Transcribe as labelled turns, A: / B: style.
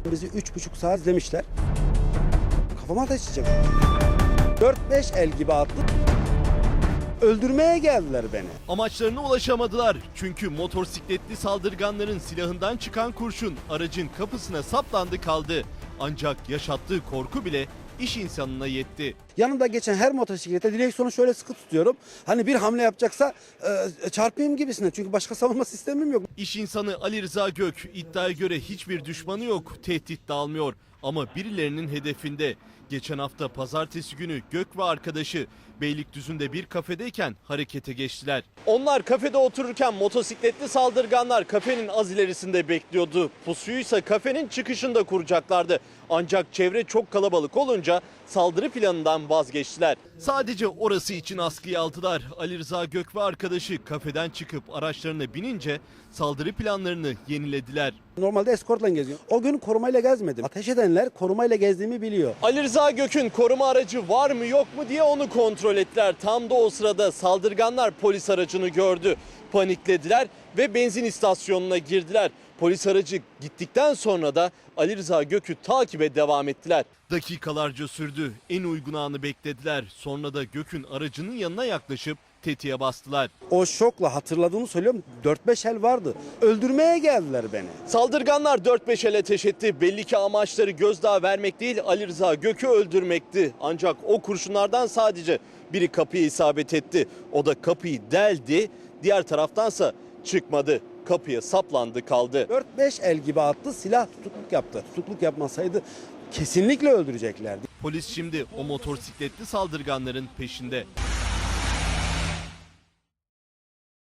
A: Bizi 3,5 saat izlemişler. Kafama ateş edecek. 4-5 el gibi attı. Öldürmeye geldiler beni.
B: Amaçlarına ulaşamadılar. Çünkü motosikletli saldırganların silahından çıkan kurşun aracın kapısına saplandı kaldı. Ancak yaşattığı korku bile iş insanına yetti.
A: Yanımda geçen her motosiklete direksiyonu şöyle sıkı tutuyorum. Hani bir hamle yapacaksa çarpayım gibisine. Çünkü başka savunma sistemim yok.
B: İş insanı Ali Rıza Gök iddiaya göre hiçbir düşmanı yok, tehdit de almıyor. Ama birilerinin hedefinde. Geçen hafta pazartesi günü Gök ve arkadaşı Beylikdüzü'nde bir kafedeyken harekete geçtiler. Onlar kafede otururken motosikletli saldırganlar kafenin az ilerisinde bekliyordu. Pusuysa kafenin çıkışında kuracaklardı. Ancak çevre çok kalabalık olunca saldırı planından vazgeçtiler. Sadece orası için askıya aldılar. Ali Rıza Gök ve arkadaşı kafeden çıkıp araçlarına binince saldırı planlarını yenilediler.
A: Normalde eskortla geziyorum. O gün korumayla gezmedim. Ateş edenler korumayla gezdiğimi biliyor.
B: Ali Rıza Gök'ün koruma aracı var mı yok mu diye onu kontrol ettiler. Tam da o sırada saldırganlar polis aracını gördü. Paniklediler ve benzin istasyonuna girdiler. Polis aracı gittikten sonra da Ali Rıza Gök'ü takibe devam ettiler. Dakikalarca sürdü. En uygun anı beklediler. Sonra da Gök'ün aracının yanına yaklaşıp tetiğe bastılar.
A: O şokla hatırladığımı söylüyorum. 4-5 el vardı. Öldürmeye geldiler beni.
B: Saldırganlar 4-5 el ateş etti. Belli ki amaçları gözdağı vermek değil, Ali Rıza Gök'ü öldürmekti. Ancak o kurşunlardan sadece biri kapıya isabet etti. O da kapıyı deldi. Diğer taraftansa çıkmadı. Kapıya saplandı kaldı.
A: 4-5 el gibi attı. Silah tutukluk yaptı. Tutukluk yapmasaydı kesinlikle öldüreceklerdi.
B: Polis şimdi o motosikletli saldırganların peşinde.